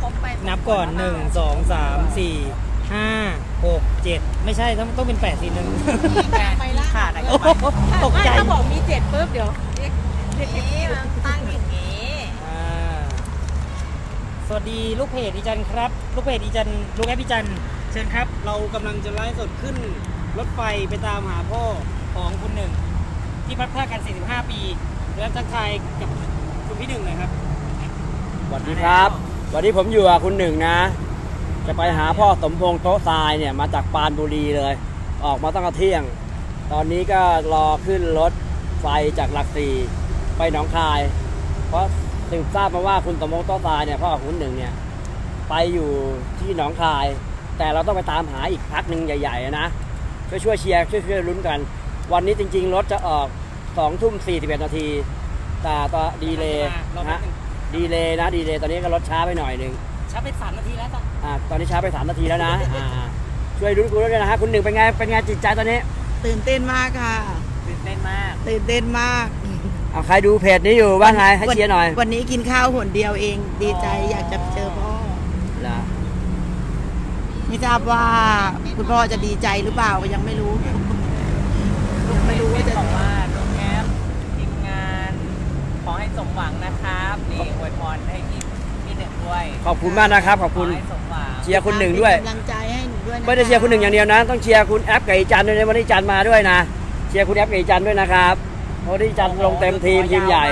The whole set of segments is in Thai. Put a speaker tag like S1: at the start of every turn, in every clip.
S1: นับก่อน1 2 3 4 5 6 7ไม่ใช่ต้องเป็น8 4 1
S2: ไปล่าขาดอะไร
S1: ตกใจ
S2: ถ้าบอกมี7ปุ๊บเดี๋ยวนี่มันตั้งอย่างนี้
S1: สวัสดีลูกเพจอีจันครับลูกเพจอีจันลูกแอปอีจันเชิญครับเรากำลังจะไลฟ์สดขึ้นรถไฟไปตามหาพ่อของคุณหนึ่งที่พัดพรากกัน45 ปีแล้วทักทายกับคุณพี่หนึ่งหน่อยครับ
S3: สวัสดีครับวันนี้ผมอยู่กับคุณหนึ่งนะจะไปหาพ่อสมพงษ์โต๊ะทรายเนี่ยมาจากปรานบุรีเลยออกมาตั้งแต่เที่ยงตอนนี้ก็รอขึ้นรถไฟจากหลักสี่ไปหนองคายเพราะสืบทราบมาว่าคุณสมพงษ์โต๊ะทรายเนี่ยพ่อของคุณหนึ่งเนี่ยไปอยู่ที่หนองคายแต่เราต้องไปตามหาอีกพักหนึ่งใหญ่ๆนะช่วยเชียร์ช่วยลุ้นกันวันนี้จริงๆรถจะออก20:41 นาทีแต่ต่อดีเลย์นะดีเลย์ตอนนี้ก็รถช้าไปหน่อยนึง
S1: ช้าไป3 นาทีแล้วจ้ะ
S3: ตอนนี้ช้าไป3 นาทีแล้วนะช่วยลุ้นกูด้วยนะฮะคุณหนึ่งเป็นไงจิตใจตอนนี้
S2: ตื่นเต้นมากค่ะ
S1: ตื่นเต้นมาก
S3: เอาใครดูเพจนี้อยู่ว่าไงให้เชียร์หน่อย
S2: วันนี้กินข้าวหนเดียวเองดีใจอยากจะเจอพ่อไม่ทราบว่าคุณพ่อจะดีใจหรือเปล่าก็ยังไม่รู้
S1: ว่าจะบอกว่าน้องแอปทีมงานขอให้สมหวังนะครับนี่อวยพรให้พี่หนึ่งด้วย
S3: ขอบคุณมากนะครับขอบคุณเชียร์คุณหนึ่งด้วย
S2: กำลังใจให้หนูด้วย
S3: ไม่ได้เชียร์คุณหนึ่งอย่างเดียวนะต้องเชียร์คุณแอปกับอีจันด้วยวันนี้จันมาด้วยนะเชียร์คุณแอปกับอีจันด้วยนะครับเพราะที่จันลงเต็มทีมใหญ่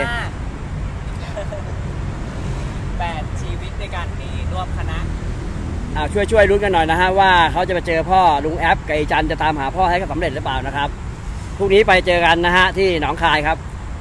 S1: 8 ชีวิตในการมีร่วมคณะ
S3: ช่วยลุ้นกันหน่อยนะฮะว่าเขาจะไปเจอพ่อลุงแอปกับอีจันจะตามหาพ่อให้สำเร็จหรือเปล่านะครับพรุ่งนี้ไปเจอกันนะฮะที่หนองคายครับ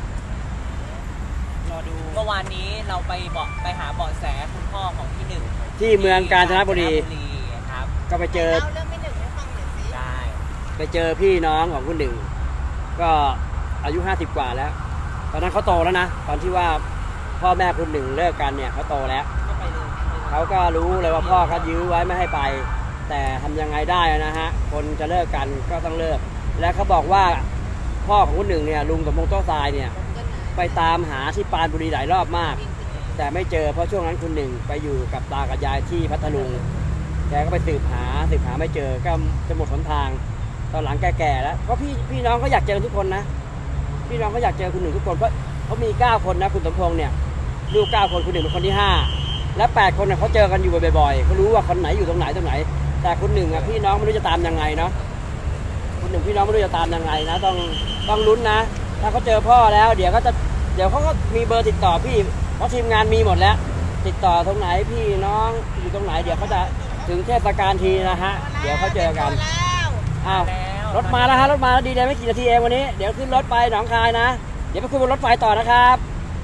S1: รอดูเมื่อวานนี้เราไปหาเบาะแสคุณพ่อของพี่หนึ่ง
S3: ที่เมืองกาญจนบุรี
S1: ครับ
S3: ก็ไปเจอ
S2: เรื่องพี่หนึ่งให้ฟังหน่อยสิ
S1: ได้
S3: ไปเจอพี่น้องของคุณหนึ่งก็อายุ50 กว่าแล้วตอนนั้นเขาโตแล้วนะตอนที่ว่าพ่อแม่คุณหนึ่งเลิกกันเนี่ยเขาโตแล้วเขาก็รู้เลยว่าพ่อเขายื้อไว้ไม่ให้ไปแต่ทำยังไงได้นะฮะคนจะเลิกกันก็ต้องเลิกและเขาบอกว่าพ่อของคุณหนึ่งเนี่ยลุงสมพงษ์โต๊ะทรายเนี่ยไปตามหาที่ปรานบุรีหลายรอบมากแต่ไม่เจอเพราะช่วงนั้นคุณหนึ่งไปอยู่กับตากับยายที่พัทลุงแกก็ไปสืบหาไม่เจอก็จะหมดหนทางตอนหลังแก่ๆแล้วเพราะพี่น้องเขาอยากเจอทุกคนนะพี่น้องเขาอยากเจอคุณหนึ่งทุกคนเพราะเขามี9 คนนะคุณสมพงษ์เนี่ยลูก9 คนคุณหนึ่งเป็นคนที่5และ8 คนเนี่ยเขาเจอกันอยู่บ่อยๆเขารู้ว่าคนไหนอยู่ตรงไหนแต่คุณหนึ่งอ่ะพี่น้องไม่รู้จะตามยังไงเนาะคุณหนึ่งพี่น้องไม่รู้จะตามยังไงนะต้องลุ้นนะถ้าเขาเจอพ่อแล้วเดี๋ยวเขาก็มีเบอร์ติดต่อพี่เพราะทีมงานมีหมดแล้วติดต่อตรงไหนพี่น้องอยู่ตรงไหนเดี๋ยวเขาจะถึงเทศกาลทีนะฮะเดี๋ยวเขาเจอกันรถมาแล้วฮะรถมาแล้วดีเลยไม่กี่นาทีเองวันนี้เดี๋ยวขึ้นรถไปหนองคายนะเดี๋ยวไปคุยบนรถไฟต่อนะครับ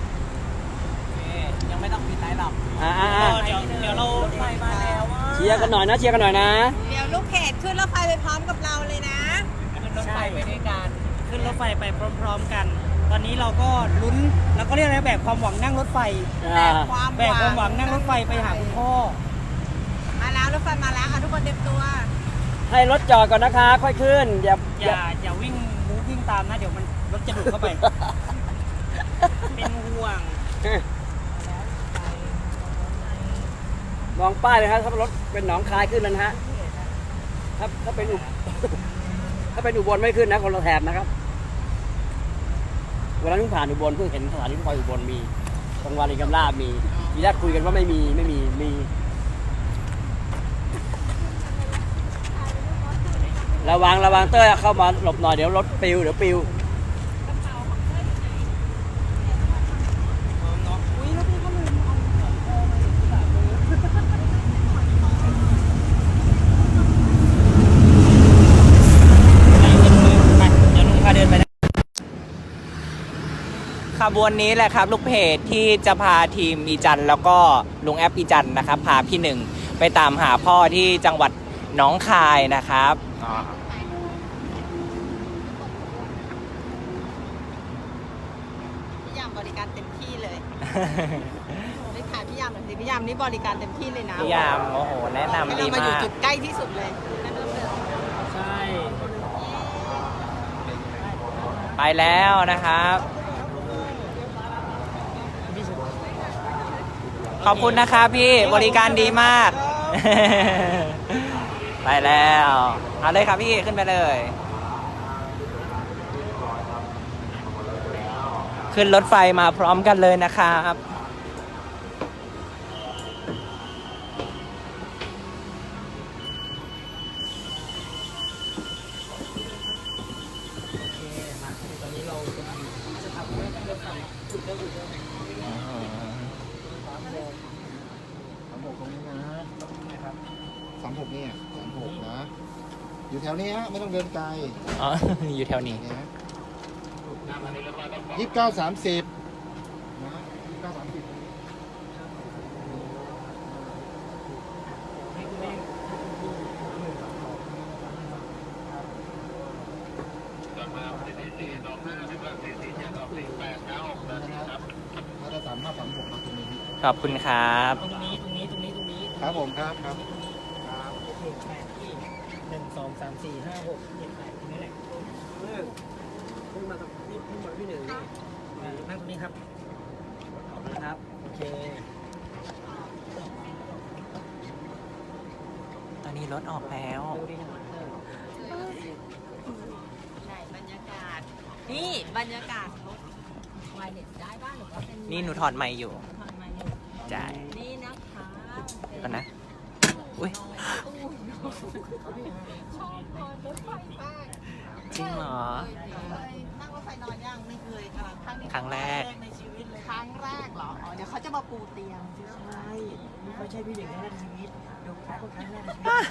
S1: ยังไม่ต้องปิดไลน์หรอกเดี๋ยวเราไฟมาแล้ว
S3: เชียร์กันหน่อยนะเชียร์กันหน่อยนะ
S2: เดี๋ยวลูกเพจขึ้นรถไฟไปพร้อมกับเราเลยนะ
S1: ขึ้นรถไฟไปด้วยกันขึ้นรถไฟไปพร้อมๆกันตอนนี้เราก็ลุ้นแล้วก็เรียกอะไรแบบความหวังนั่งรถไฟ
S2: แบบความ
S1: หวังนั่งรถไฟไปหาคุณพ่อ
S2: มาแล้วรถไฟมาแล้วค่ะทุกคนเตรียมตัว
S3: ให้รถจอดก่อนนะคะค่อยขึ้น
S1: อย่าวิ่งตามนะเดี๋ยวมันรถจะดุเข้าไปเป็นห่วง
S3: มองป้ายเลยครับถ้ารถเป็นหนองคายขึ้นแล้วนะฮะถ้าเป็นอุบลไม่ขึ้นนะคนละแถบนะครับเวลาเพิ่งผ่านอุบลเพิ่งเห็นสถานีรถไฟอุบลมีตรงวารินกำลาบมีทีแรกคุยกันว่าไม่มีระวังเต้ยเข้ามาหลบหน่อยเดี๋ยวรถปิว
S1: ขบวนนี้แหละครับลูกเพจที่จะพาทีมอีจันแล้วก็ลุงแอปอีจันนะครับพาพี่หนึ่งไปตามหาพ่อที่จังหวัดหนองคายนะครับ
S2: พี่ยามบริการเต็มที่เลยได้ถ่ายพี่ยามหน่อยสิพี่ยามนี่บริการเต็มที่เลยนะ
S1: พี่ยามโอ้โหแนะนำดีมาก
S2: เรามาอยู่จุดใกล้ที่สุดเลย
S1: ใช่ไปแล้วนะครับ
S4: ขอบคุณนะคะพี่บริการดีมาก ไปแล้วเอาเลยครับพี่ขึ้นไปเลย ขึ้นรถไฟมาพร้อมกันเลยนะครับ
S1: โอเคมาตอนนี้เราจะทำเรื่องไฟจุดเริ่มจุดเริ่ม
S5: 36ตรงนี้นะครับ36เนี่ย36นะ อยู่แถวนี้ฮะไม่ต้องเดินไกล
S4: อ๋อ อยู่แถวนี้
S5: เนี่ย29 30นะ29 30มาตรฐาน536มาตรงนี้
S4: ขอบคุณครับ
S1: ตรงนี้
S5: ครับผมครับครับ
S1: 1 8ที่1 2 3 4 5 6 7 8ตรงนี้แหละ
S3: ขึ้นมาตรงนี้ขึ้นมาที่หนึ่งนี่
S1: นั่งตรงนี้ครับ
S3: ขอบคุณครับ
S1: โอเค
S4: ตอนนี้รถออกแล้ว
S2: ไหนบรรยากาศ นี่บรรยากาศรถไวเน็ตได้บ้างหรือว่าเป็น
S4: นี่หนูถอดไมค์อยู่
S2: ถอดมาอยู่
S4: จ่าย
S2: นี่นะคะเป็
S4: ก่อนนะ อุ้ย
S2: ชอบนอนรถไฟมาก
S4: จริงเหรอ
S2: นั่งรถไฟนอนยังไม่เคยค่ะครั้งนี้
S4: ครั้งแรก
S2: ในชีวิตเลยครั้งแรกเหรออ๋อเดี๋ยวเขาจะมาปูเตียงใช่ไหม
S1: ไม่ใช่พี่เด็กแรกในชีวิตดูแค่ครั้งแรก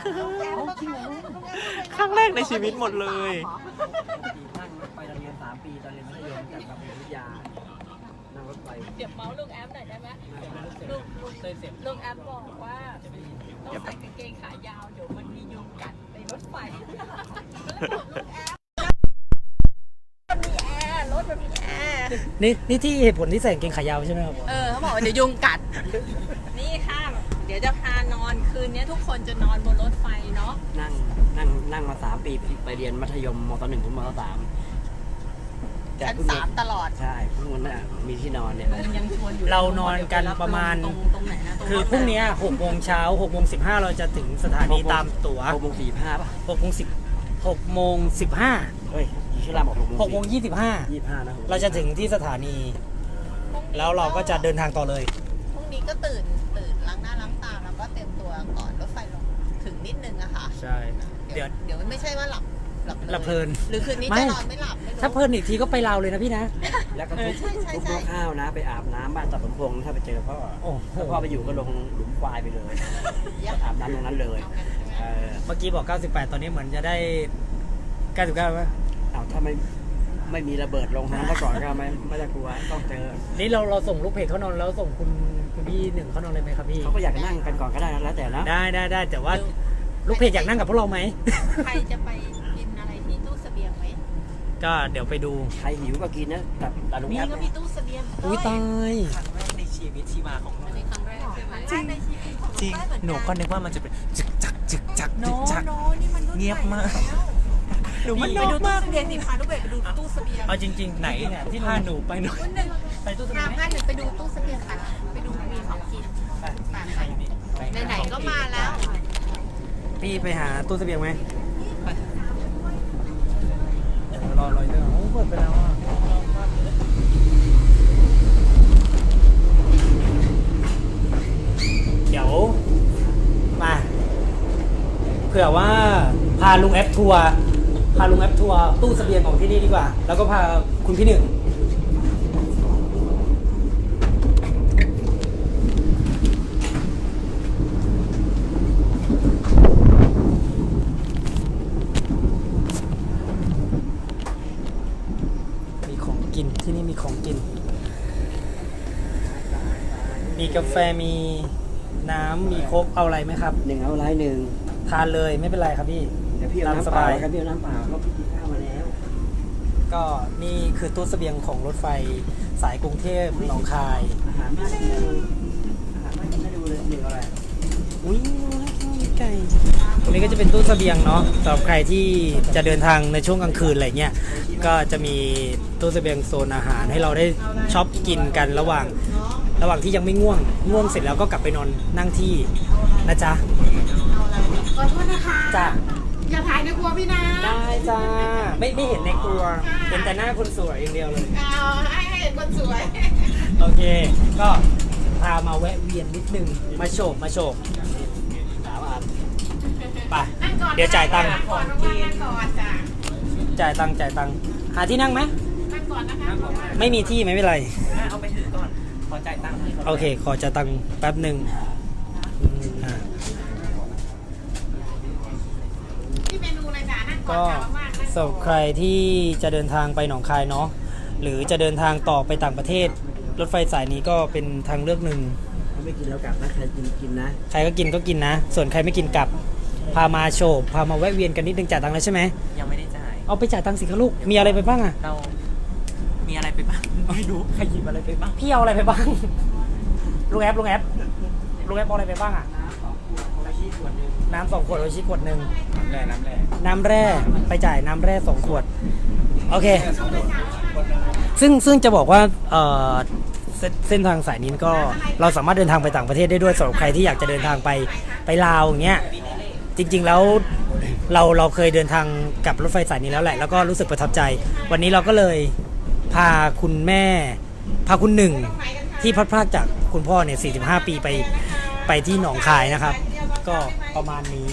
S4: ครั้งแรกในชีวิตหมดเลย
S3: นั่งรถไฟตอนเรียน3 ปีตอนเรียนมัธยมจากกับวิทยานั่งรถไฟ
S2: เดี๋ยวเมาส์ลุงแอมหน่อยได้ไหมลุงแอมบอกว่าต้องใส่กางเกงขายาวเดี๋ยวมันมียุงกัดในรถไฟก็เลยบอกลุงแอมมันมีแอร์รถมันมีแอร์
S1: นี่ที่เหตุผลที่ใส่กางเกงขายาวใช่ไหมครับ
S2: เขาบอกว่าเดี๋ยวยุงกัด นี่ค่ะ เดี๋ยวจะพานอนคืนนี้ทุกคนจะนอนบนรถไฟเนาะ
S3: นั่งมา3 ปีไปเรียนมัธยมมต.1 ถึงมต.3
S2: ชั้น3ตลอด
S3: ใช่เพิ่งวันน่ะมีที่นอนเนี่ย
S2: ยังชวนอยู่
S1: เรานอนกันประมาณ
S2: ตรงไหนนะตรง
S1: คือพรุ่งนี้6 โมงเช้า6 โมง 15เราจะถึงสถานีตามตั๋ว
S3: 6 โมง 45ป่ะ
S1: 6 โมง 10 6 โมง 15
S3: เฮ้ยชื่อรามบอก6
S1: 6 โมง 25
S3: 25นะ
S1: เราจะถึงที่สถานี แล้วเราก็จะเดินทางต่อเลย
S2: พรุ่งนี้ก็ตื่นล้างหน้าล้างตาแล้วก็เตรียมตัวก่อนรถไฟลงถึงนิดนึงอะค่ะ
S1: ใช่ เดี๋ยว
S2: ไม่ใช่ว่าหลับ
S1: หลับเพลิน
S2: หรือคืนนี้
S1: ไม่
S2: จะนอนไม่หลับไม่รู้
S1: ถ้าเพลินอีกทีก็ไปลาวเลยนะพี่นะ
S3: แล้วก็ทุบข้าวนะไปอาบน้ำบ้านตัดสมพงษ์ถ้าไปเจอพ่อ
S1: โอ้โห
S3: ถ้าพ่อไปอยู่ก็ลงหลุมควายไปเลยอาบน้ำตรงนั้นเลย
S1: เมื่อกี้บอก 98 ตอนนี้เหมือนจะได้ 99ไหม
S3: เอาถ้าไม่มีระเบิดลงนั้นซะก่อนก็ไม่จะกลัวต้องเจอ
S1: นี่เราส่งลูกเพจเขานอนแล้วส่งคุณพี่หนึ่งเขานอนเลยไหมครับพี่
S3: เขาก็อยากนั่งกันก่อนก็ได้แล้วแต่นะ
S1: ได้แต่ว่าลูกเพจอยากนั่งกับพวกเราไหม
S2: ใครจะไปกินอะไรที่ตู้เสบียงไหม
S1: ก็เดี๋ยวไปดู
S3: ใครหิวก็กินนะแต่ลุง
S2: นี่
S3: แอป
S2: ก็มีตู้เสบียง
S1: อุ้ยตาย
S4: ครั้งแรกในชีวิตที่มาของ
S2: อันนี้ครั้งแรกใช่ไหมครั้งแรกในชีวิตของ
S4: จริง
S2: ได้เมือ
S4: หนูก็นึกว่ามันจะเป็นจึกจักจึกจัก
S2: โน
S4: จึกจัก
S2: โนนี่มันรุ่น
S4: เงียบมาก
S2: ใหแล้ว
S4: หนูมัน
S2: ไป
S4: นอ
S2: ดู
S4: ก
S2: ตู้
S4: มาก
S2: เสบียงสิพาลูกเบสไปดูตู้เสบียง
S1: เอาจริงๆ
S4: ไหนที่พาหนูไปหน่อย
S2: คุณหนึ่ง
S1: ไปตู้เสบียงไหม
S2: พาหนึ่งไปดูตู้เสบียงค่ะไปดูมีของกินไหนๆก็มาแล้ว
S1: พี่ไปหาตู้เสบียงไหมเดี๋ยวรอเรื่องโอ้เปิดไปแล้วอ่ะเดี๋ยวมาเผื่อว่าพาลุงแอปทัวร์ตู้เสบียงของที่นี่ดีกว่า แล้วก็พาคุณพี่หนึ่งมีของกินที่นี่มีของกิน มีกาแฟมีน้ำมีโค้กเอาอะไรไหมครับ
S3: หนึ่งเอาไรหนึ่ง
S1: ทานเลยไม่เป็นไรครับพี่
S3: เดี๋ยวพี่เอา
S1: ตาม
S3: น้ำ
S1: ส
S3: เปล่า
S1: บาย
S3: ครับพี่เอาน้ำเปล่าเพราะพี่กินข้าวมาแล้ว
S1: ก็นี่คือตู้เสบียงของรถไฟสายกรุงเทพหนองคาย
S3: อาหารบ้านกินให้ดูเลยหนึ่งอะไร
S1: อุ้ยมีไก่ตรงนี้ก็จะเป็นตู้เสบียงเนาะสำหรับใครที่จะเดินทางในช่วงกลางคืนอะไรเงี้ยก็จะมีตู้เสบียงโซนอาหารให้เราได้ช็อปกินกันระหว่างระหว่างที่ยังไม่ง่วงเสร็จแล้วก็กลับไปนอนนั่งที่นะจ๊ะ
S2: ขอโทษนะคะ
S1: จ้ะ
S2: อย่าถ่ายในครัวพี่นะ
S1: ได้จ้าไม่เห็นในครัวเห็นแต่หน้าคนสวยอย่างเดียวเลย
S2: เอาให้เห็นคนสวย
S1: โอเค ก็พามาแวะเวียนนิดนึงมาโฉบ
S3: ถามอ่าน
S1: ไปเดี๋ยวจ่ายตังค์
S2: ก่อนว่างๆนั่งก่อนจ้ะ
S1: จ่ายตังค์หาที่นั่งไหม
S2: นั่งก่อนนะคะ
S1: ไม่มีที่ไม่เป็นไร
S4: เอาไปถือก่อน ขอจ่ายตังค์ให้ก่อน
S1: โอเค ขอจ่ายตังค์แป๊บหนึ่งอ่า
S2: ที่เมนูอะไรจ้ะนั่งก่อน
S1: ก็
S2: จ้ะว่างๆนั่ง
S1: สำหรับใครที่จะเดินทางไปหนองคายเนาะหรือจะเดินทางต่อไปต่างประเทศ รถไฟสายนี้ก็เป็นทางเลือกหนึ่ง
S3: เขาไม่กินแล้วกลับนะใครกินนะ
S1: ใครก็กินนะ ส่วนใครไม่กินกลับ พามาโฉบพามาแวะเวียนกันนิดนึงจ่ายตังค์แล้วใช่ไหม
S4: ยังไม่ได้จ่าย
S1: เอาไปจ่ายตังค์สิคะลูกมีอะไรไปบ้างอะ
S4: เรา มีอะไรไปบ้าง ไม่รู้ ใครหยิบอะไรไปบ้าง
S1: พี่เอาอะไรไปบ้าง ลุงแอปเอาอะไรไปบ้างอะน้ำ2 ขวดโอชิขวดหนึ่งน้ำแร่ไปจ่ายน้ำแร่2 ขวดโอเค ซึ่งจะบอกว่าเส้นทางสายนี้ก็เราสามารถเดินทางไปต่างประเทศได้ด้วยสำหรับใครที่อยากจะเดินทางไปลาวอย่างเงี้ยจริงๆแล้วเราเคยเดินทางกับรถไฟสายนี้แล้วแหละแล้วก็รู้สึกประทับใจ วันนี้เราก็เลยพาคุณแม่พาคุณหนึ่งที่พลัดพรากจากคุณพ่อเนี่ย45 ปีไปที่หนองคายนะครับ ก็ประมาณนี้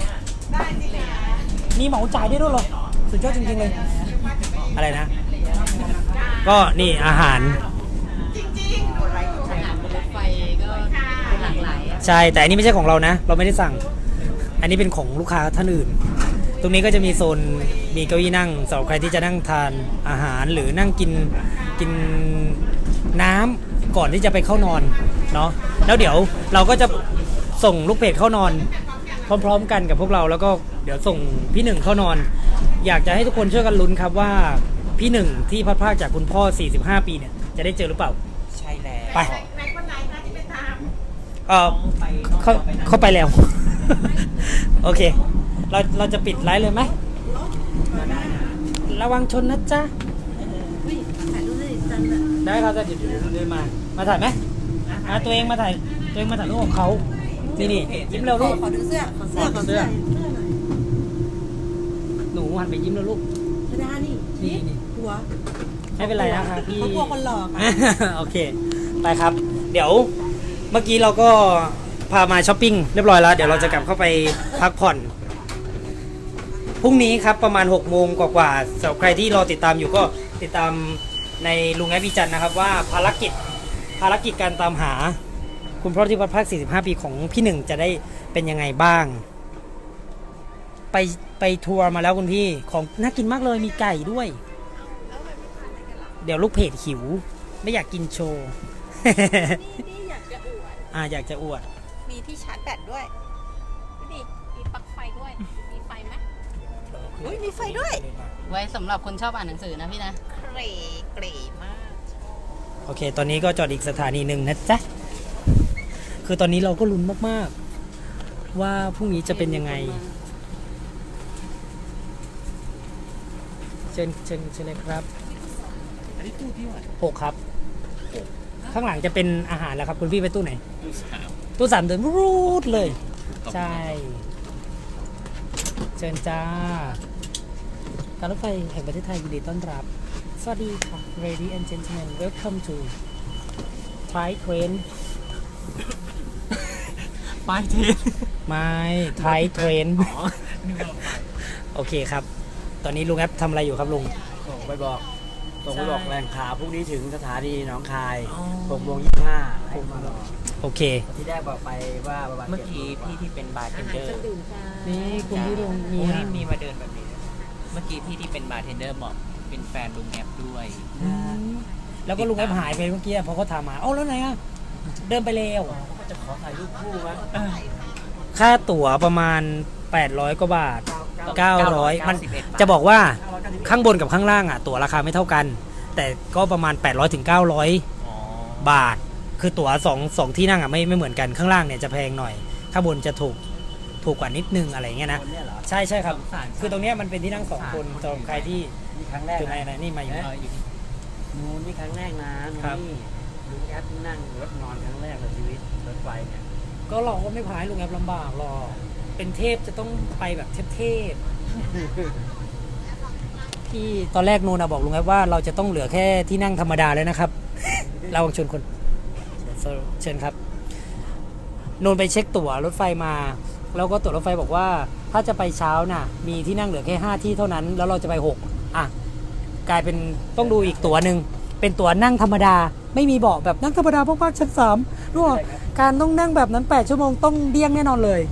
S1: มีเหมาจ่ายได้ด้วยเหรอสุดยอดจริงๆเลยอะไรนะ ก็นี่อาหาร
S2: อาหารบนรถไฟก็หลากหลายอะ
S1: ใช่แต่อันนี้ไม่ใช่ของเรานะ เราไม่ได้สั่ง อันนี้เป็นของลูกค้าท่านอื่น ตรงนี้ก็จะมีโซนมีเก้าอี้นั่งสำหรับใครที่จะนั่งทานอาหารหรือนั่งกินน้ำก่อนที่จะไปเข้านอนเนาะแล้วเดี๋ยวเราก็จะส่งลูกเพจเข้านอน พร้อมๆกันกับพวกเราแล้วก็เดี๋ยวส่งพี่หนึ่งเข้านอน อยากจะให้ทุกคนช่วยกันลุ้นครับว่าพี่หนึ่งที่พัดพรากจากคุณพ่อ45 ปีเนี่ยจะได้เจอหรือเปล่า
S4: ใช่แล้ว
S1: ไป
S2: ไหนคนไหนคะที่ไปตาม
S4: ไป
S1: เข้าไปแล้ว โอเค เราจะปิดไลฟ์เลยไหมระวังชนนะจ๊ะ
S2: ถ่ายรูปได้จังเลย
S1: ได้ครับเดี๋ยวเดินมาถ่ายไหมตัวเองมาถ่ายรูปของเขานี่ยิ้มเร็วลูก
S2: ขอดูเสื้อขอเสื้อ
S1: ขอเสื้อ หนูหันไปยิ้มแล้วลูก
S2: ไม่ได้นี่
S1: นี่
S2: หัว
S1: ไม่เป็นไรนะคะพี่
S2: เขากลัวคนหลอก
S1: โอเคไปครับ เดี๋ยวเมื่อกี้เราก็พามาช้อปปิ้งเรียบร้อยแล้วเดี๋ยวเราจะกลับเข้าไปพักผ่อนพรุ่งนี้ครับประมาณ6 โมงกว่าๆสำหรับใครที่รอติดตามอยู่ก็ติดตามในลุงแอปพิจันนะครับว่าภารกิจการตามหาคุณพ่อที่พัดพราก45 ปีของพี่หนึ่งจะได้เป็นยังไงบ้างไปทัวร์มาแล้วคุณพี่ของน่ากินมากเลยมีไก่ด้วย เดี๋ยวลูกเพจหิวไม่อยากกินโชว์
S2: นี่อยากจะอวด
S1: อยากจะอวด
S2: มีที่ชาร์จแบตด้วยดูดิมีปลั๊กไฟด้วย มีไฟไหมอุ้ยมีไฟด้วย
S6: ไว้สำหรับคนชอบอ่านหนังสือนะพี่นะ
S2: เกรมาก
S1: โอเค ตอนนี้ก็จอดอีกสถานีหนึ่งนะจ๊ะ คือตอนนี้เราก็ลุ้นมากๆ ว่าพรุ่งนี้จะเป็นยังไง เชิญเลยครับ
S4: อันนี้ตู้พี่วะ
S1: 6 ครับ ข้างหลังจะเป็นอาหารแล้วครับ คุณพี่ไปตู้ไหน ตู้ 3 เดินรูดเลย ใช่ เชิญจ้า การรถไฟแห่งประเทศไทยยินดีต้อนรับ สวัสดีค่ะ Ladies and gentlemen welcome to Thai train
S4: ไปเทน
S1: ไม่ Thai train
S4: อ๋อนึกว่าไป
S1: โอเคครับ ตอนนี้ลุงแอปทำอะไรอยู่ครับลุง
S3: ส่งไปบอกแรงข่าวพรุ่งนี้ถึงสถานีหนองคาย
S4: อ๋อ
S3: 6 โมง 25ให้มารอ
S1: โอเค
S3: ที่ได้บอกไปว่าประมาณ
S4: เมื่อกี้พี่ที่เป็นบาร์เทนเดอร์
S1: นี่คุณพี่ลุงมี
S4: โอ้
S1: อาหาร
S4: นี่มีมาเดินแบบนี้ เมื่อกี้พี่ที่เป็นบาร์เทนเดอร์บอกเป็นแฟนลุงแอปด้วย
S1: แล้วก็ลุงแอปหายไปเมื่อกี้พอเขาถามมาเอ้าแล้วไหนอ่ะ เดินไปแล้ว
S3: ก็จะขอถ่ายรูปคู่มั้ย
S1: ค่าตั๋วประมาณ 800 กว่าบาท 900 มัน
S4: 91 บาท
S1: จะบอกว่าข้างบนกับข้างล่างอ่ะ ตั๋วราคาไม่เท่ากัน แต่ก็ประมาณ 800 ถึง 900
S4: อ๋อ
S1: บาท คือตั๋ว2ที่นั่งอ่ะไม่เหมือนกัน ข้างล่างเนี่ยจะแพงหน่อย ข้างบนจะถูกกว่านิดนึงอะไรเงี้ยนะ
S3: คนเนี่ยเหรอ
S1: ใช่ครับ คือตรงเนี้ยมันเป็นที่นั่ง2 คนสำหรับใครที่
S3: นี่ครั้งแรก
S1: อยู่ใน
S3: นะ
S1: นี่มาอยู่
S4: อยู่
S3: นู่นนี่ครั้งแรกนะนู่น
S1: ครับ
S3: นี่ลุงแอปนั่งรถนอนครั้งแรกในชีวิตรถไฟเนี่ย
S1: ก็เราก็ไม่พายลุงแอปลำบากหรอกเป็นเทพจะต้องไปแบบเทพพี่ตอนแรกนูนบอกลุงแอปว่าเราจะต้องเหลือแค่ที่นั่งธรรมดาแล้วนะครับ เราชวนคนเชิญครับนูนไปเช็คตั๋วรถไฟมาแล้วก็ตั๋วรถไฟบอกว่าถ้าจะไปเช้าน่ะมีที่นั่งเหลือแค่5ที่เท่านั้นแล้วเราจะไป6อ่ะกลายเป็นต้องดูอีกตั๋วหนึ่งเป็นตั๋วนั่งธรรมดาไม่มีเบาะแบบนั่งธรรมดาพวกชั้น3รู้ป่ะการต้องนั่งแบบนั้น8ชั่วโมงต้องเดี้ยงแน่นอนเลย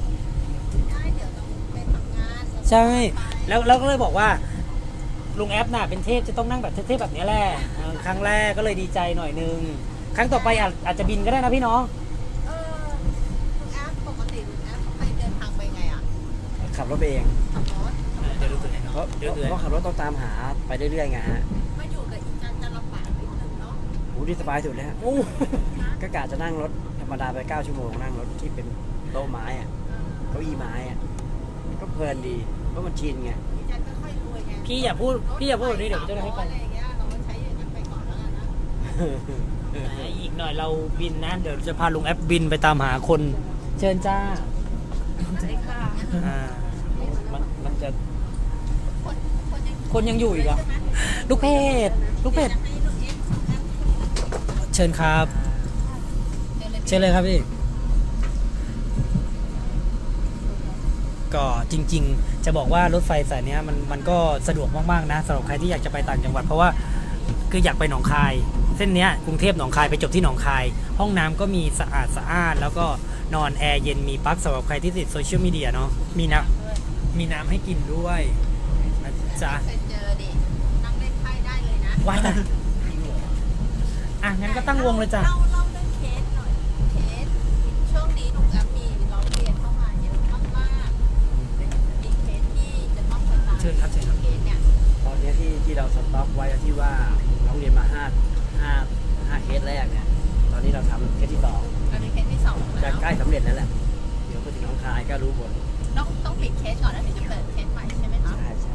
S1: ใช่แล้วก็เลยบอกว่าลุงแอปน่ะเป็นเทพจะต้องนั่งแบบเทพแบบนี้แหละครั้งแรกก็เลยดีใจหน่อยนึงครั้งต่อไปอาจจะบินก็ได้นะพี่น้อง
S2: ลุงแอปปกติลุงแอปไปเดินทางไปไงอ่ะ
S3: ขับรถไปเอง
S2: ขับรถ
S1: เดี๋ยวดูตัวไหน
S3: เพราะขับรถต้องตามหาไปเรื่อยๆไงฮะ
S2: มาอยู่กับอีจันจะลำบากนิดนึงเนาะ
S3: โอ้ดีสบายสุดแล้วก็กะจะนั่งรถธรรมดาไป9ชั่วโมงนั่งรถที่เป็นโต๊ะไม้อะเก้าอี้ไม้อะก็เพลินดีเพราะมันชินไง
S2: อีจันก็ค่อยรวยไง
S1: พี่อย่าพูดแบบนี้เดี๋ยวจะให้
S2: ไป
S1: ฟัง
S2: อะไรอย่างเงี้ยเราก็ใช้อย่างนั้นไปก่อนแล้วกันนะ
S1: อีกหน่อยเราบินนะเดี๋ยวจะพาลุงแอปบินไปตามหาคนเชิญจ้า
S2: สวัสดีค่ะ
S1: อ่า
S3: มันจะ
S1: คนยังอยู่อีกเหรอลูกเพจเชิญครับเชิญเลยครับพี่ก็จริงๆจะบอกว่ารถไฟสายนี้มันก็สะดวกมากๆนะสำหรับใครที่อยากจะไปต่างจังหวัดเพราะว่าคืออยากไปหนองคายเส้นเนี้ยกรุงเทพหนองคายไปจบที่หนองคายห้องน้ำก็มีสะอาดแล้วก็นอนแอร์เย็นมีปลั๊กสำหรับใครที่ติดโซเชียลมีเดียเนาะมีน้ำให้กินด้วยนะจ๊ะ
S2: เคยเจอดินั่งเล่นไพ่ได้เลยนะ
S1: ว้ายตายอ่ะงั้นก็ตั้งวงเลยจ้ะ
S2: เล่าเรื่องเคสหน่อยเคสช่วงนี้ลุงแอปมีร้องเรียนเข้ามาเยอะมากๆมีเคสที่จะต้องไปตาม
S1: เชิญครับเชิญครับ
S2: เคสเนี่ย
S3: ตอนนี้ที่เราสต็อกไว้ที่ว่าน้องเรียนมา5เคสแรกเนี่ยตอนนี้เราทำเคสที่2
S2: เราเป็นเคสที่สอง
S3: จะ
S2: แล้ว
S3: ใกล้สำเร็จแล้วแหละเดี๋ยวไปถึงน้องคายก็รู้ผล
S2: ต้องปิดเคสก่อนแล้วถึงจะเปิดเคสใหม่ใช่ไหมคะ
S3: ใช่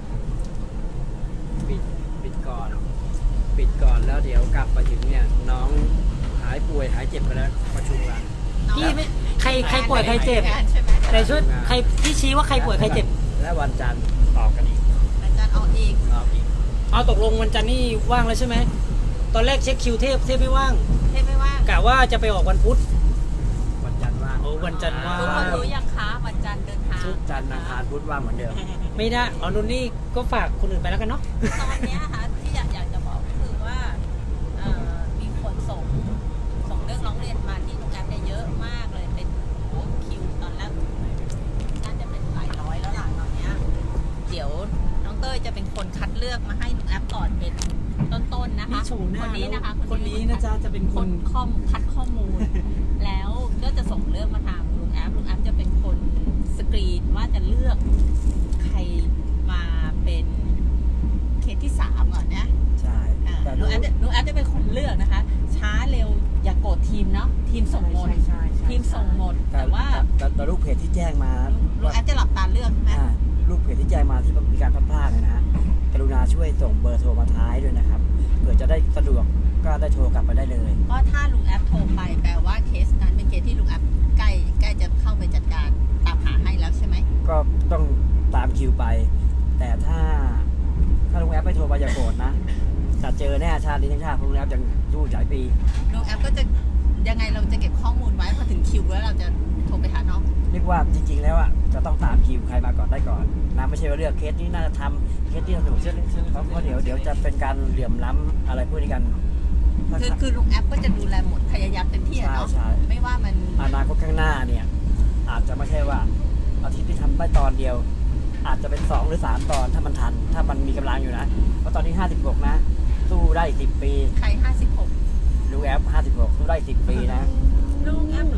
S3: ปิดก่อนแล้วเดี๋ยวกลับไปถึงเนี่ยน้องหายป่วยหายเจ็บไปแล้วประชุมกัน
S1: พี่ไม่ใครป่วยใครเจ็บ
S2: งานใช่ไหม
S1: แต่ช่วยใครพี่ชี้ว่าใครป่วยใครเจ็บ
S3: และวันจันทร์ต่อกันอีก
S2: อาจารย์เอาอีก
S1: เอาตกลงวันจันทร์นี่ว่างแล้วใช่ไหมตอนแรกเช็คคิวเทพไม่ว่าง
S2: เทพไม่ว่าง
S1: กะว่าจะไปออกวันพุธ
S3: วันจันทร์ว่าง
S1: โอ้วันจันทร์ว่าง
S2: ทุกคนรู้ยังคะวันจันทร์เดินทาง
S3: ทุกจันทร์อังคารพุธว่างเหมือนเดิม
S1: ไม่ได้อ๋อนุ่นนี่ก็ฝากคนอื่นไปแล้วกันเนาะ
S2: ตอนเนี้ยค่ะที่อยากจะบอกก็คือว่ามีคนส่งเรื่องร้องเรียนมาที่โรงแรมเนี่ยเยอะมากเลยเป็นคิวตอนแรกน่าจะเป็นหลายร้อยแล้วล่ะตอนเนี้ยเดี๋ยวน้องเต้ยจะเป็นคนคัดเลือกมาให้ลุงแอปก่อนเป็นต้นๆนะคะ
S1: นี่โชว์หน้า
S2: คนนี้นะคะ
S1: คนนี้นะจ๊ะจะเป็นคน
S2: คัดข้อมูล แล้วก็จะส่งเรื่องมาทางลุงแอปจะเป็นคนสกรีนว่าจะเลือกใครมาเป็นเคสที่3ก่อนนะ
S3: ใช่แต่
S2: ลุงแอปจะเป็นคนเลือกนะคะ ช้าเร็วอย่าโกรธทีมเนาะทีมส่งหมดทีมส่งหมดแต่ว่า
S3: แต่ลูกเพจที่แจ้งมา
S2: ลุงแอปจะหลับตาเลือกใช่ไหม
S3: ลูกเพจที่แจ้งมาที่มีการพลาดนะฮะกรุณาช่วยส่งเบอร์โทรมาท้ายด้วยนะครับเผื่อจะได้สะดวกก็ได้โทรกลับไปได้เลย
S2: เพราะถ้าลุงแอปโทรไปแปลว่าเคสนั้นเป็นเคสที่ลุงแอปใกล้จะเข้าไปจัดการตามหาให้แล้วใช่ไหม
S3: ก็ต้องตามคิวไป แต่ถ้าลุงแอปไม่โทรมาอย่าโกรธนะจะเจอแน่ชาตินี้ทั้งชาติลุงแอปยังสู้หลายปี
S2: ลุงแอปก็จะยังไงเราจะเก็บข้อมูลไว้พอถึงคิวแล้วเราจะโทรไปหาน้อง
S3: เรียกว่าจริงๆแล้วอ่ะจะต้องตามคิวใครมาก่อนได้ก่อนนะไม่ใช่ว่าเลือกเคสนี้น่าจะทำเคสที่สนุกเพราะเดี๋ยวจะเป็นการเหลื่อมล้ำอะไรพวกนี้กัน
S2: คือลุงแอปก็จะดูแลหมดพยายามเต็มที่อะเนาะ
S3: ใช่
S2: ไม่ว่ามัน
S3: อนาคตข้างหน้าเนี่ยอาจจะไม่ใช่ว่าอาทิตย์ที่ทำได้ตอนเดียว อาจจะเป็น2หรือ3ตอนถ้ามันทันถ้ามันมีกำลังอยู่นะเพราะตอนนี้56นะสู้ได้อีก10 ปี
S2: ใคร56
S3: ลูกแอป56สู้ได้อีก10 ปีนะ
S2: ลุงแอป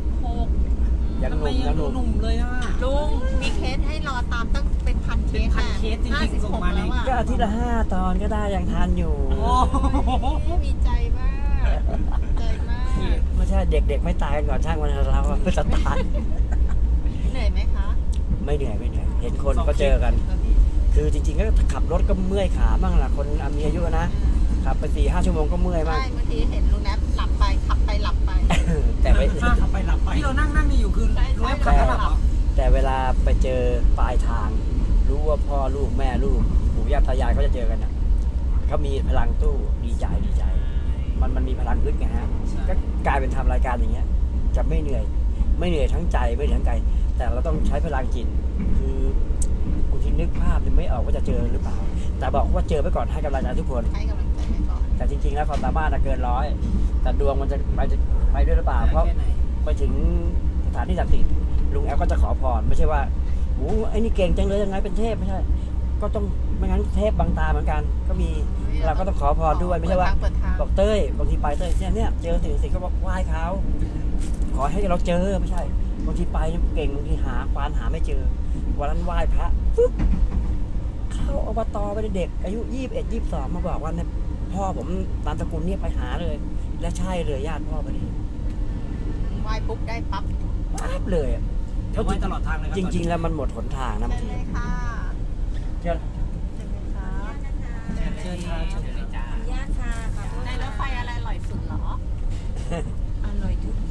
S2: 56
S3: ยังหนุ่มยังหนุ่ม
S1: หนุ่มเลยอ่ะ
S2: ลุงมีเคสให้รอตามตั้งเป็นพันเค
S1: เป็น
S2: ส
S1: พันเคสจริงๆส่งมาใน
S2: 56แล้ว
S3: ก็
S2: อะ
S3: อาทิตย์ละ5 ตอนก็ได้ยังทันอยู่
S1: โอ้
S2: มีใจมากใจมาก
S3: ไม่ใช่เด็กๆไม่ตายกันก่อนช่างมันเราจะตาย
S2: เหนื่อยไหมคะ
S3: ไม่เหนื่อยเห็นคนก็เจอกัน คือจริงๆก็ขับรถก็เมื่อยขาบ้างล่ะคนมีอายุนะขับไป4-5 ชั่วโมงก็เมื่อยบ้าง
S2: ใช่บางทีเห็นลุงแอปหลับไปขับไปหลับไป
S3: แต่ไม่
S1: ข้าขับไปหลับไปที่เรานั่งนี่อยู่คือ
S2: ใช่
S1: ลุงแอปขับแล้วหลับเหรอ
S3: แต่เวลาไปเจอปลายทาง รู้ว่าพ่อลูกแม่ลูกปู่ย่าตายายเขาจะเจอกันนะเขามีพลังตู้ดีใจ มันมีพลังลึกไงฮะก็กลายเป็นทำรายการอย่างเงี้ยจะไม่เหนื่อยทั้งใจไม่เหนื่อยทั้งกายแต่เราต้องใช้พลังจิตคือบางทีนึกภาพยังไม่ออกว่าจะเจอหรือเปล่า แต่บอกว่าเจอไปก่อนให้กำลังใจทุกคน
S2: ให้กำลังใจไปก่อน
S3: แต่จริงๆแล้วความสามารถเกินร้อยแต่ดวงมันจะไปด้วยหรือเปล่าเพราะ
S1: แค่ไหน
S3: ไปถึงสถานที่ศักดิ์สิทธิ์ลุงแอปก็จะขอพรไม่ใช่ว่าโอ้ไอ้นี่เก่งจังเลยยังไงเป็นเทพไม่ใช่ ก็ต้องไม่งั้นเทพบังตาเหมือนกัน ก็มีเราก็ต้องขอพรด้วยไม่ใช่ว่า
S2: เปิดทาง
S3: บอกเต้ยบางทีไปเต้ยเนี่ยเจอสิ่งก็บอกไหว้เขาขอให้เราเจอไม่ใช่บางทีไปเก่งบางทีหาควานหาไม่เจอวันนั้นไหว้พระปุ๊บเข้าอบตไปเด็กอายุ21 22มาบอกว่าเนี่ยพ่อผมนามสกุลเนี่ยไปหาเลย และใช่เลยญาติพ่อพอดี
S2: ไหว้ปุ๊บได้ปั๊บ
S3: ปั๊บเลยอะ
S1: เดี๋ยวไว้ตลอดทางเลยครั
S3: จริง ๆ แล้วมันหมดหนทางนะบาง
S2: เชิญ
S3: ที
S2: เลยค่ะ
S3: เชื่อ
S2: เชิญเลยค่ะ
S1: เชิญทางเชิญเลยจ้า
S6: ญาติค่ะขอโทษ
S2: ในรถไฟอะไรอร่อยสุดเหรอ
S6: อร่อยทุก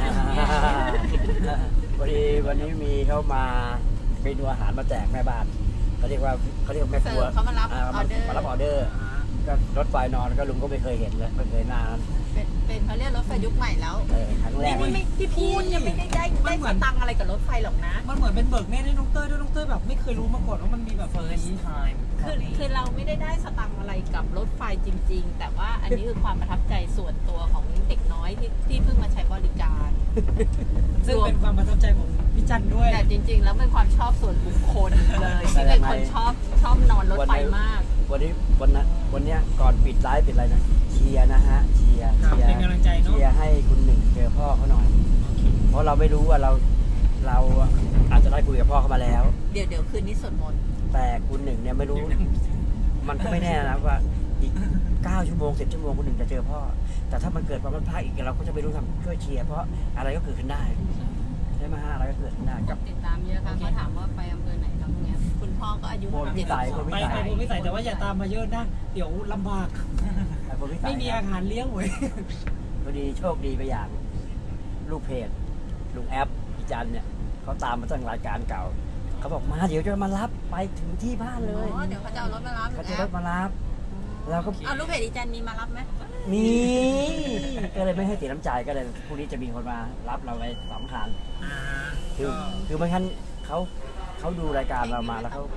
S3: พอดีวันนี้มีเขามาเมนูอาหารมาแจกแม่บ้านเขาเรียกว่าแม่ค
S2: เสิ
S3: รัว
S2: ร์ฟเขามารับออเดอร์
S3: มารับออเดอร์ก็รถไฟนอนก็ลุงก็ไม่เคยเห็นเลยไม่เคยหน้านั้น
S2: เป็นเขาเรียกรถไฟยุคใหม่แล้ว
S3: ครั้งแรก
S2: นี่พี่พูดยังไม่ได้สตังค์อะไรกับรถไฟหรอกนะ
S1: มันเหมือนเป็นเบิกเนตรให้น้องเต้ยด้วยน้องเต้ยแบบไม่เคยรู้มาก่อนว่ามันมีแบบ
S4: first time
S2: คือเราไม่ได้สตังค์อะไรกับรถไฟจริง ๆ แต่ว่าอันนี้คือความประทับใจส่วนตัวของเด็กน้อยที่เพิ่งมาใช้บริการ
S1: ซึ่งเป็นความประทับใจของพี่จันด้วย
S2: แต่จริง ๆ แล้วเป็นความชอบส่วนบุคคลเลยที่เป็นคนชอบนอนรถไฟมาก
S3: วันนี้ก่อนปิดไลฟ์ปิดอะไรนะเชียร์นะฮะเชียร์
S1: ครับเป็นกำลังใจเนอะ
S3: เชียร์ให้คุณหนึ่งเจอพ่อเขาหน่อย เพราะเราไม่รู้ว่าเราอาจจะได้คุยกับพ่อเขามาแล้ว
S2: เดี๋ยวคืนนี้สวดมนต์
S3: แต่คุณหนึ่งเนี่ยไม่รู้ มันก็ไม่แน่นะว่าอีก9 ชั่วโมง10 ชั่วโมงคุณหนึ่งจะเจอพ่อ แต่ถ้ามันเกิดความพลาดอีกเราก็จะไม่รู้ทำช่วยเชียร์เพราะอะไรก็เกิดขึ้นได้ใช่ไหมฮะอะไรก็เกิดขึ้นได้กับ
S6: ติดตามเยอะค่ะเขาถามว่าไปอำเภอไหนครับตรงเนี้ย
S2: คุณพ่อก็อายุ
S3: โพธิพิสัย
S2: 72
S1: ไปผมไม่ใส่แต่ว่าอย่าตามมาเยอะนะเดี๋ยวลำบาก
S3: คนพิสั
S1: ไม่
S3: ย
S1: มีอาหารเลี้ยงเว้ย
S3: พอดีโชคดีไปอย่าง ลูกเพจลุงแอปพี่จันเนี่ยเขาตามมาตั้งรายการเก่าเขาบอกมาเดี๋ยวจะมารับไปถึงที่บ้านเลย
S2: อ๋อเดี๋ยวเขาจะเอารถมารับ
S3: เขาจะรถมารับเราก็
S2: เอาลูกเพจอีจันมีมารับไหม
S3: มีก็เลยไม่ให้เสียน้ำใจก็เลยพรุ่งนี้จะมีคนมารับเราไป2 คันคือไม่งั้นเขาดูรายการเรามาแล้วเขา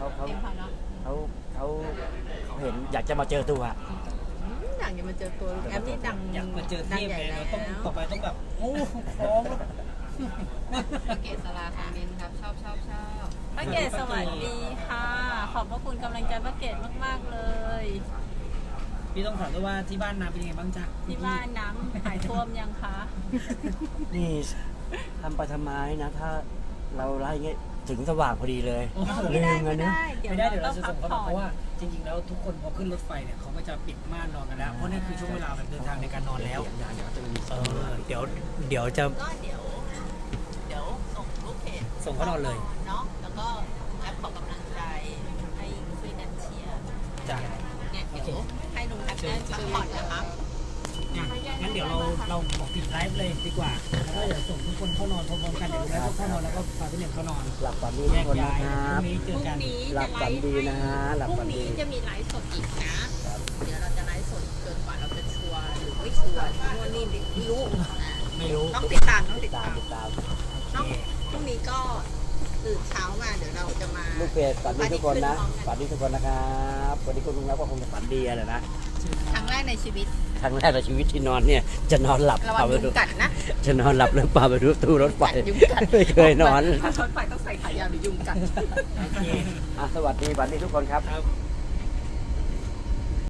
S3: เห็นอยากจะมาเจอตัว
S2: อยากจะมาเจอตัวแอปนี่ดัง
S1: อยากมาเจอเท
S2: ดัง
S1: พ
S2: ใหญ่
S1: ไง
S2: แล้
S1: เรา
S2: ว
S1: ต้องต่อไปต้องแบบโอ้คล้องแล้ว
S6: เกศลาคอมเมนต์ครับชอบ
S2: ป้าเกศสวัสดีค่ะ ขอบพระคุณกำลังใจป้าเกศมากๆเลย
S1: พี่ต้องถามด้วยว่าที่บ้านน้ำเป็นยังไงบ้างจ๊ะ
S2: ที่บ้านน้ำหายท่วมยังคะ
S3: นี่ทำไปทำไมนะ ถ้าเราไล่เงี้ยถึงสว่างพอดีเลย
S2: ไม่ได้
S3: เงินนะ
S1: ไม่ได้เดี๋ยว
S2: ต้
S1: เรา
S2: อง
S1: จะ
S2: พั
S1: ส่
S2: ก
S1: งเขา
S2: ผ่
S1: มา
S2: อ
S1: เพ
S2: น
S1: ราะว่าจริงๆแล้วทุกคนพอขึ้นรถไฟเนี่ยเขาก็จะปิดม่านนอนกันแล้วเพราะนี่คือช่วงเวลาแบบเดินทางในการนอนแล้วเดี๋ยวจะ
S2: ก็เดี๋ยวส่งลูกเพจ
S1: ส่งเขานอนเลย
S2: เนาะแล้วก็แอปขอกำลังใจให้ช่วยกันเชียร์
S1: จ้ะ
S2: เนี่ยเดี๋ยวให้ลุงแอปได้พักผ่อนนะครับ
S1: งั้นเดี๋ยวเราบอกปิดไลฟ์เลยดีกว่าแล้วก็เดี๋ยวส่งทุกคนเข้านอนพร้อมๆกันเดี๋ยวดูแลเข้านอนแล้วก็พาพี่หนึ่งเข้านอน
S3: หลับฝันดี
S1: แย
S3: ทุก
S1: ก
S3: คน
S1: ย้า
S3: นะ
S1: ย
S3: ครับ
S1: พรุ่งนี้เจอกัน
S3: หลับฝันดีนะฮะหลับ
S2: พรุ่
S3: ฝั
S2: ง
S3: นดี
S2: นี้จะมีไลฟ์สดอีกนะ เดี๋ยวเราจะไลฟ์สดจนกว่าเราจะชัวร์หรือไม่ชัวร์นู่นนี่ไม่รู้
S1: ไม่รู้
S2: ต้องติดตามต้องติด
S3: ตา
S2: ตาม ม
S3: ติดตาม
S2: ต้องพรุ่งนี้ก็ตื่นเช้ามาเดี๋ยวเราจะมา
S3: ลูกเพจฝันดีทุกคนนะฝันดีทุกคนนะครับวันนี้คุณลุงแล้วก็คงจะฝันดีแหละนะ
S2: ครั้งแรกในชีวิต
S3: ครั้งแรกในชีวิตที่นอนเนี่ยจะนอนหลับ
S2: ระวังยุงกัดนะ
S3: จะนอนหลับหรือเปล่าไปดูตู้รถไฟ
S2: ยุงกัด
S3: ไม่เคยนอน
S2: ถ้ารถไฟต้องใส่ขายาวหรือยุงกัด
S1: โอเค
S3: สวัสดีฝันดีทุกคนครับ
S1: ครับ